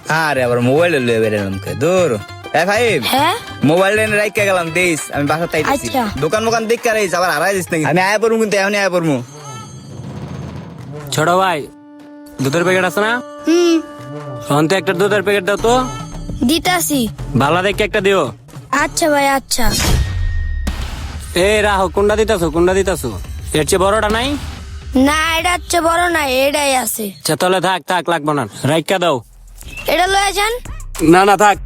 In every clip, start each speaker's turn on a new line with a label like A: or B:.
A: আরে আবার মোবাইল লয়ে বেরেলাম কে দূর এ ভাই
B: হ্যাঁ
A: মোবাইল এনে রাইখা গেলাম দেইস আমি বাসা তাইতেছি
B: আচ্ছা।
A: দোকান মোকান দেখ রাইস আবার হারাই দিস নাকি আমি আয়া পড়মু কিন্তু এখনই আয়া পড়মু
C: ছোট ভাই দুধের প্যাকেট আছে না? অন্তে একটা দুধের প্যাকেট দাও তো,
B: দিতাছি।
C: ভালো দেখে একটা দিও।
B: আচ্ছা ভাই আচ্ছা।
C: এ রাহো, কোনটা দিতাছো? এর চেয়ে বড়টা নাই?
B: না এটা হচ্ছে বড় না, এটাই আছে।
C: আচ্ছা তাহলে থাক লাগবো না, রাইখা দাও।
B: এটা লয়ে যান।
C: না থাক।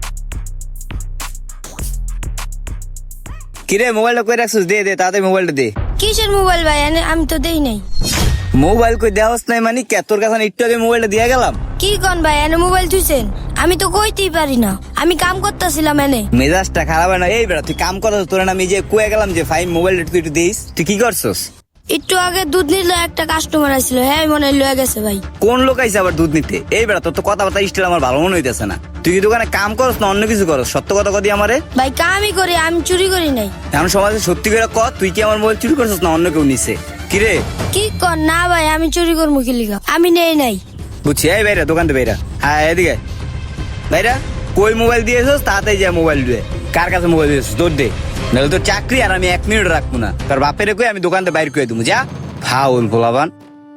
A: কিরে মোবাইলটা কই রাখছিস দে তাড়াতাড়ি মোবাইলটা দে
B: কিসের মোবাইল ভাই? আমি তো দেই নাই।
A: মোবাইল কই দেওয়াস নাই মানে কে তোর কাছে একটু আগে মোবাইলটা দিয়ে গেলাম
B: কি কোন ভাই মোবাইল থুইছেন? আমি তো কইতেই পারি না, আমি কাম করতেছিলাম এনে।
A: মেজাজটা খারাপ হয় না এই বেড়া তুই কাম করছ তোর না আমি যে কয়ে গেলাম যে ভাই মোবাইলটা তুই একটু দিস তুই কি করছস
B: একটু আগে দুধ নিল, একটা কাস্টমার আসছিল, হ্যাঁ মনে হয় লয়ে গেছে ভাই।
A: কোন লোক আইছে আবার দুধ নিতে এই বেড়া তোর তো কথাবার্তা স্টাইল আমার ভালো মনে হইতেছে না তুই কি দোকানে কাম করস না অন্য কিছু করস সত্য কথা কদি আমারে
B: ভাই কামই করি, আমি চুরি করি নাই।
A: এখন সমাজে সত্যি করে ক তুই কি আমার মোবাইল চুরি করছস না অন্য কেউ নিছে কিরে
B: কি কর না ভাই, আমি চুরি করবো কি লিগা? আমি নেই নাই।
A: বুঝছি এই বাইরা দোকান থেকে বাইরা হ্যাঁ এদিকে বাইরা কই মোবাইল দিয়েছস তাড়াতাড়ি যা মোবাইল দিয়ে কার কাছে মোবাইল দিয়েছিস তোর দে নাহলে তোর চাকরি আর আমি 1 মিনিট রাখবো না তোর বাপের কই আমি দোকান থেকে বাইর করে দেবো যা ফাউল ভোলাবান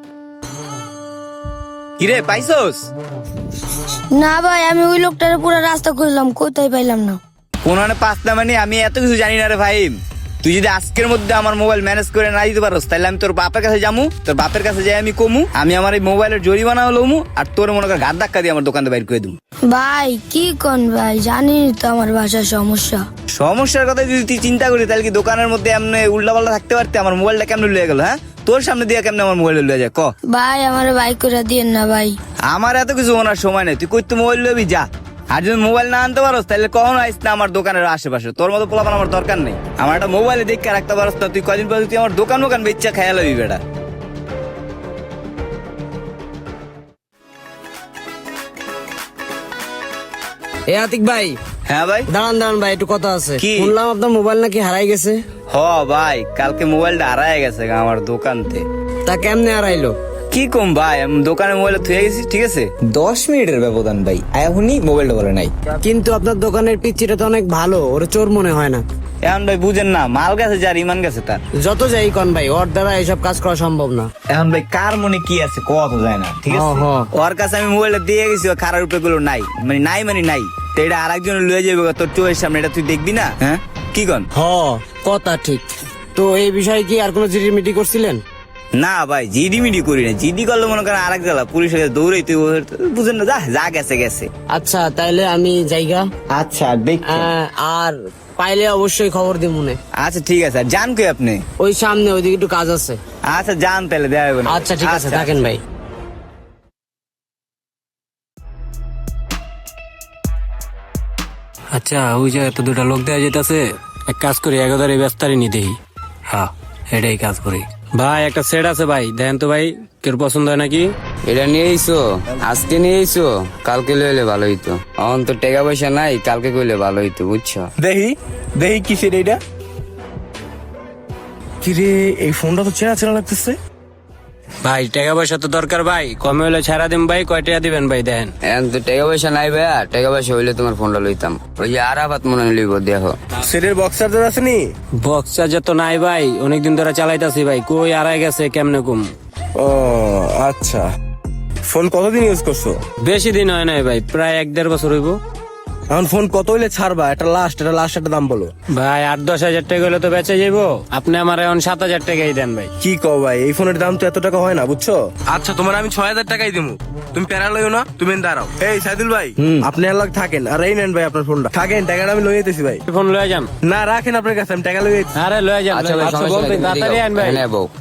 A: কিরে পাইছস
B: না ভাই আমি ওই লোকটার পুরো রাস্তা খুঁজলাম, কোথায় পাইলাম না।
A: কোন পাঁচটা মানে আমি এত কিছু জানি না রে ভাই তুই যদি আজকের মধ্যে আমার মোবাইল ম্যানেজ করে না দিতে পারস তাহলে আমি তোর বাপের কাছে যামু তোর বাপের কাছে যাই আমি কমু আমি আমার এই মোবাইলের জরিমানা লমু আর তোর মনে কর ঘাত ধাক্কা দিয়ে আমার দোকান থেকে বাইর করে দেবো
B: ভাই কি কোন ভাই, জানি তো আমার বাসার সমস্যা।
A: সমস্যার কথা যদি তুই চিন্তা করি তাহলে কি দোকানের মধ্যে এমনি উল্টা পাল্টা থাকতে পারতে আমার মোবাইলটা কেমনে লয়ে গেল হ্যাঁ তোর সামনে দিয়ে কেমনে আমার মোবাইল লয়ে যায় ক
B: ভাই আমার বাইক করে দিয়েন না ভাই।
A: আমার এত কিছু ওনার সময় নেই তুই কই তো মোবাইল লবি যা আর যদি মোবাইল না আনতে পারস তাহলে কখনো আইস না আমার দোকানের আশেপাশে তোর মতো পোলাপান আমার দরকার নেই আমার একটা মোবাইলে দেখে রাখতে পারস না তুই কদিন পর তুই আমার দোকান বেচা খেয়াল হবি বেটা
D: এ আতিক ভাই,
A: হ্যাঁ ভাই
D: দাঁড়ান ভাই, একটু কথা আছে।
A: কি?
D: শুনলাম আপনার মোবাইল নাকি হারাই গেছে।
A: হ ভাই কালকে মোবাইলটা হারায় গেছে গা আমার দোকানতে
D: তা কেমনে হারাইলো?
A: কি কম ভাই আমি দোকানে মোবাইলটা থুয়ে গেছি ঠিক আছে 10 মিনিটের ব্যবধান ভাই এখনই মোবাইলটা বলে নাই
D: কিন্তু আপনার দোকানের পিচ্ছিটা তো অনেক ভালো, ওর চোর মনে হয় না।
A: এখন ভাই বুঝেন না মাল গেছে যার ইমান গেছে তার
D: যত যাই কন ভাই, ওর দ্বারা এসব কাজ করা সম্ভব না।
A: এখন ভাই কার মনে কি আছে কত যায় না ঠিক আছে
D: হ, হ।
A: ওর কাছে আমি মোবাইলটা দিয়ে গেছি ও খারাপ রূপে গুলো নাই নাই তো এটা আরেকজন লয়ে যাবে তোর চোখের সামনে এটা তুই দেখবি না হ্যাঁ কি কন
D: হ, কথা ঠিক। তো এই বিষয়ে কি আর কোনো জিডিমিটি করছিলেন?
A: না ভাই জিডি করি না জিডি করলে মনে করেন আরেক জ্বালা পুলিশের কাছে দৌড়াই তুই বুঝেন না যা গেছে
D: আচ্ছা তাইলে আমি জায়গা
A: আচ্ছা দেখ
D: আর পাইলে অবশ্যই খবর দিব মনে।
A: আচ্ছা ঠিক আছে আর যান কই আপনি
D: ওই সামনে ওইদিকে একটু কাজ আছে।
A: আচ্ছা যান তাহলে দেওয়া হবে না
D: আচ্ছা ঠিক আছে, থাকেন ভাই।
C: আচ্ছা ওই জায়গায় তো দুটা লোক দেওয়া যেতেছে, এক কাজ করি এগাদারে ব্যস্তারি নি দেই। হ্যাঁ এটাই কাজ করি। ভাই একটা সেট আছে ভাই, দেখেন তো ভাই তোর পছন্দ হয় নাকি?
E: এটা নিয়ে আইসো, আজকে নিয়ে আইসো, কালকে লইলে ভালো হইতো। এখন তো টাকা পয়সা নাই, কালকে কইলে ভালো হইতো বুঝছো।
F: দেখি কিসের এইটা? কিরে এই ফোনটা তো চেনা লাগতেছে।
C: ভাই টাকা পয়সা তো দরকার ভাই, কমে হলে ছাড়া দিন ভাই, কয় টাকা দিবেন ভাই দেখেন।
E: এখন তো টাকা পয়সা নাই ভাইয়া, টাকা পয়সা হইলে তোমার ফোনটা লইতাম। ওই যে আরাফাত মনে লইব দেখো।
F: সেটের বক্স চার্জার আছে নি?
C: বক্স চার্জার তো নাই ভাই, অনেকদিন ধরে চালাইতাছি ভাই, কই আড়াই গেছে কেমনে কম।
F: ও আচ্ছা, ফোন কতদিন ইউজ করছো?
C: বেশি দিন হয় নাই ভাই, প্রায় 1-1.5 বছর হইব।
F: এখন ফোন কত হইলে ছাড়বা? এটা লাস্ট একটা দাম বলো।
C: ভাই 8-10 হাজার টাকা হলে তো বেঁচে যাইবো, আপনি আমার এখন 7,000 টাকাই দেন ভাই।
F: কি কও ভাই, এই ফোনের দাম তো এত টাকা হয় না বুঝছো। আচ্ছা তোমার আমি 6,000 টাকাই দিমু, তুমি প্যারা লইও না, তুমি দাঁড়াও। এই সাইদুল ভাই, আপনি আর লাগ থাকেন আর এই নেন ভাই আপনার ফোনটা। থাকেন, টাকাটা আমি লই যেতেছি ভাই।
C: ফোন লয়ে যান।
F: না রাখেন আপনার কাছে, আমি টাকা লই যেতেছি।
C: আরে লয়ে যান।
E: আচ্ছা ভাই,
C: আচ্ছা,
E: সমস্যা
C: বলতে
E: নাই,
C: তাড়াতাড়ি আন ভাই।
E: হ্যাঁ বউ।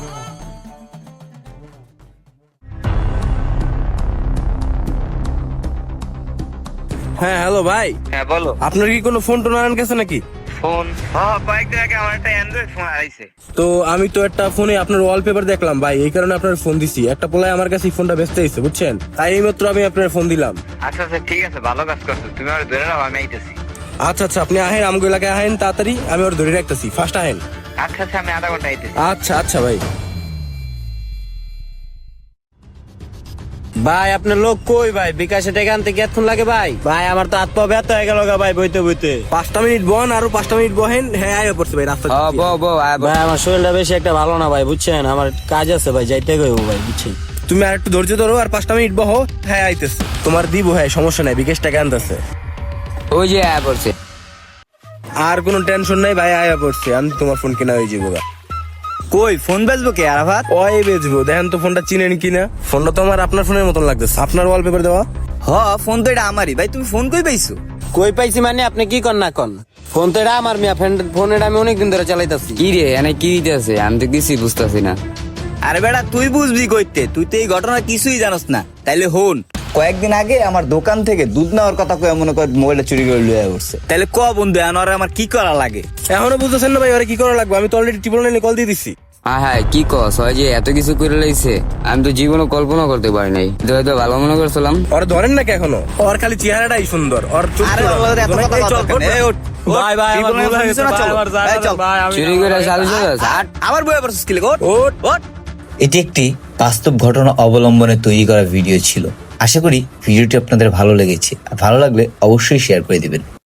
F: হ্যাঁ হ্যালো ভাই,
A: হ্যাঁ বলো
F: আপনার কি কোনো ফোন টোন আনার কাছে নাকি?
A: ফোন কয়েকদিন আগে আমার একটা অ্যান্ড্রয়েড ফোন হারাইছে
F: তো আমি তো একটা ফোনে আপনার ওয়ালপেপার দেখলাম ভাই, এই কারণে আপনার ফোন দিছি। একটা পোলায় আমার কাছে ফোনটা বেচতে এসেছে বুঝছেন, তাই এই মাত্র আমি আপনার ফোন দিলাম।
A: আচ্ছা ঠিক আছে ভালো কাজ করছো তুমি আর ধরে নাও আমি আইতেছি
F: আচ্ছা আপনি আহেন, আমগো এলাকায় আহেন তাড়াতাড়ি, আমি ওর ধরে রাখতেছি, ফার্স্ট আহেন।
A: আচ্ছা আমি আধা ঘন্টা আইতেছি
F: আচ্ছা ভাই।
C: ভাই আপনার লোক কই ভাই? বিকাশে টাকা আনতে কেতক্ষণ লাগে ভাই? ভাই আমার তো হাত পা ব্যথা হয়ে গেল ভাই বইতে বইতে।
F: 5টা মিনিট বন, আরো 5টা মিনিট বহেন। হ্যাঁ আয় পড়ছে ভাই রাস্তা
E: হ বো বো আয় বো।
C: ভাই আমার শরীরটা বেশি একটা ভালো না ভাই, বুঝছেন? আমার কাজ আছে ভাই, যাইতে গেবো ভাই, বুঝছেন?
F: তুমি আর একটু ধৈর্য ধরো, আর 5টা মিনিট বহো। হ্যাঁ আইতেছে, তোমার দিব। হ্যাঁ সমস্যা নাই, বিকেশ টাকা আনতেছে।
E: ওই যে আয় পড়ছে।
F: আর কোনো টেনশন নাই ভাই, আয়া পড়ছে। আমি তোমার ফোন কিনা হয়ে যাবো।
A: কই ফোন বেচবো কে আরাফাত?
F: ওই বেচবো, দেখেন তো ফোনটা চিনেন কিনা। ফোনটা তো আমার আপনার ফোনের মতন লাগতেছে, আপনার ওয়ালপেপার দেওয়া।
A: হ ফোন তো এটা আমারই ভাই, তুমি ফোন কই পাইছো?
C: কই পাইছি মানে আপনি কি কর না কন? ফোন তো এটা আমার মিয়া, ফোন এটা আমি অনেকদিন ধরে চালাইতাছি।
E: কি রে এনে কি হইতেছে? আমি তো কিছুই বুঝতেছি না।
A: আরে বেটা তুই বুঝবি কইতে, তুই তো এই ঘটনা কিছুই জানোস না। তাইলে হন, কয়েকদিন আগে আমার দোকান থেকে দুধ নেওয়ার কথা কয়ে মনে কর মোবাইলটা চুরি করে লুয়ে উঠছে। তাইলে ক বন্ধু আনোয়ারে আমার কি করা লাগে?
F: এখনো বুঝতেছেন না ভাই, ওরা কি করা লাগবে? আমি তো অলরেডি ট্রিপল নাইনে কল দিয়ে দিছি।
E: হ্যাঁ কি কস? হয় যে এত কিছু করে লাইছে, আমি তো জীবনে কল্পনা করতে পারি নাই। হয়তো ভালো মনে করছিলাম।
F: ওর ধরেন নাকি এখনো? ওর খালি চেহারাটাই সুন্দর, ওর
A: আরে বাবা, এত কথা বলার দরকার নেই। এই ওঠ, ওঠ।
C: ভাই, ভাই, আমার
A: ট্রিপল নাইন
C: ভুল হয়ে
A: ফোন দিছো না,
C: গেছে,
A: চলো।
C: ভাই, আমার যা
A: এই চল।
C: ভাই, আমি-
E: চুরি করে চালু চলে গেছে।
A: আবার বইয়া পড়ছিস কি লেগে? ওঠ,
F: ওঠ।
A: ওঠ। এটি একটি বাস্তব ঘটনা অবলম্বনে তৈরি করা ভিডিও ছিল। আশা করি ভিডিওটি আপনাদের ভালো লেগেছে। আর ভালো লাগলে অবশ্যই শেয়ার করে দিবেন।